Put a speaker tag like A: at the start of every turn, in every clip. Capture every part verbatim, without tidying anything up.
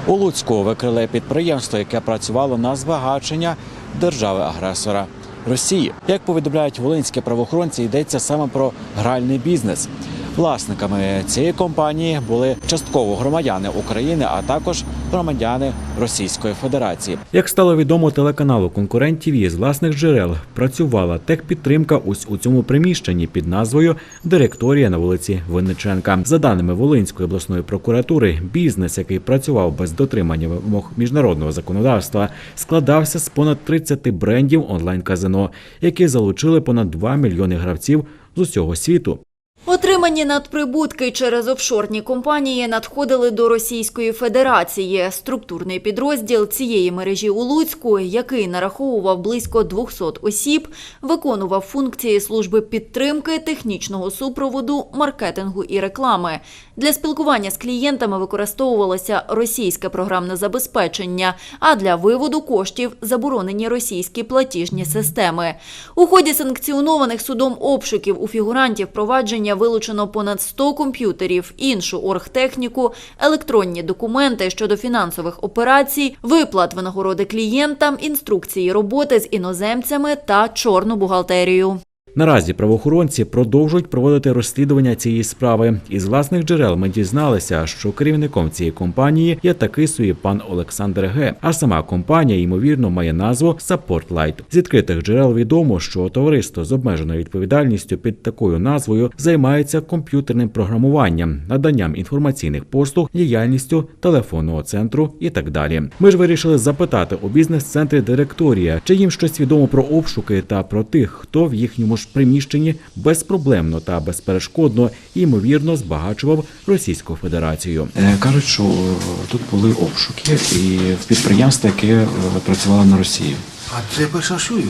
A: У Луцьку викрили підприємство, яке працювало на збагачення держави-агресора Росії. Як повідомляють волинські правоохоронці, йдеться саме про гральний бізнес. Власниками цієї компанії були частково громадяни України, а також громадяни Російської Федерації. Як стало відомо телеканалу «Конкурент ТІВІ», з власних джерел працювала техпідтримка ось у цьому приміщенні під назвою «Директорія» на вулиці Винниченка. За даними Волинської обласної прокуратури, бізнес, який працював без дотримання вимог міжнародного законодавства, складався з понад тридцяти брендів онлайн-казино, які залучили понад два мільйони гравців з усього світу.
B: Отримані надприбутки через офшорні компанії надходили до Російської Федерації. Структурний підрозділ цієї мережі у Луцьку, який нараховував близько двохсот осіб, виконував функції служби підтримки, технічного супроводу, маркетингу і реклами. Для спілкування з клієнтами використовувалося російське програмне забезпечення, а для виводу коштів – заборонені російські платіжні системи. У ході санкціонованих судом обшуків у фігурантів провадження вилучено понад сто комп'ютерів, іншу оргтехніку, електронні документи щодо фінансових операцій, виплат винагороди клієнтам, інструкції роботи з іноземцями та чорну бухгалтерію.
A: Наразі правоохоронці продовжують проводити розслідування цієї справи. Із власних джерел ми дізналися, що керівником цієї компанії є такий собі пан Олександр Г. А сама компанія, ймовірно, має назву Support Light. З відкритих джерел відомо, що товариство з обмеженою відповідальністю під такою назвою займається комп'ютерним програмуванням, наданням інформаційних послуг, діяльністю телефонного центру і так далі. Ми ж вирішили запитати у бізнес-центрі «Директорія», чи їм щось відомо про обшуки та про тих, хто в їхньому ж приміщенні безпроблемно та безперешкодно, ймовірно, збагачував Російську Федерацію.
C: Кажуть, що тут були обшуки і в підприємстві, яке працювало на Росію.
D: А це я перша чую.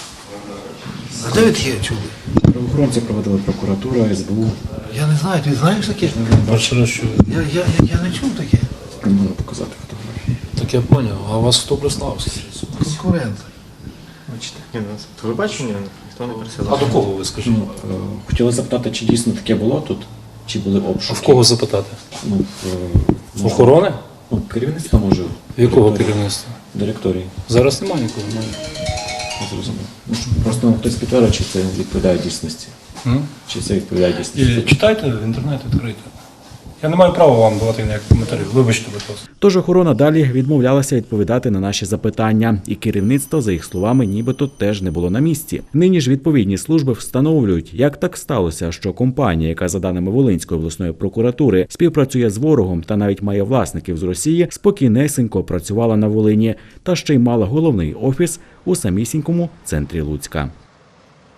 D: А де ви таке чули?
C: Правоохоронці проводили прокуратура, ес бе у.
D: Я не знаю, ти знаєш таке?
E: Перший раз чую.
D: Я, я, я, я не чув таке.
C: Не можу показати фотографії.
E: Так я зрозумів. А у вас хто прислав?
D: Конкурент.
F: Бачите, ні, ну, ви бачите, ні, ніхто не
E: А
F: присилав.
E: до кого ви скажіть?
C: Ну, е, хотіли запитати, чи дійсно таке було тут, чи були обшуки.
E: А в кого запитати?
C: Ну, в, е,
E: Охорони?
C: ну, керівництво може.
E: Якого
C: Директорії.
E: керівництва?
C: Директорії.
E: Зараз немає нікого.
C: Не зрозумів. Ну, що, просто нам хтось підтвердив, чи це відповідає дійсності.
E: М?
C: Чи це відповідає дійсності.
E: І читайте в інтернеті, відкрийте. Я не маю права вам давати ніяких коментарів. Вибачте, будь ласка.
A: Тож охорона далі відмовлялася відповідати на наші запитання. І керівництво, за їх словами, нібито теж не було на місці. Нині ж відповідні служби встановлюють, як так сталося, що компанія, яка, за даними Волинської обласної прокуратури, співпрацює з ворогом та навіть має власників з Росії, спокійнесенько працювала на Волині та ще й мала головний офіс у самісінькому центрі Луцька.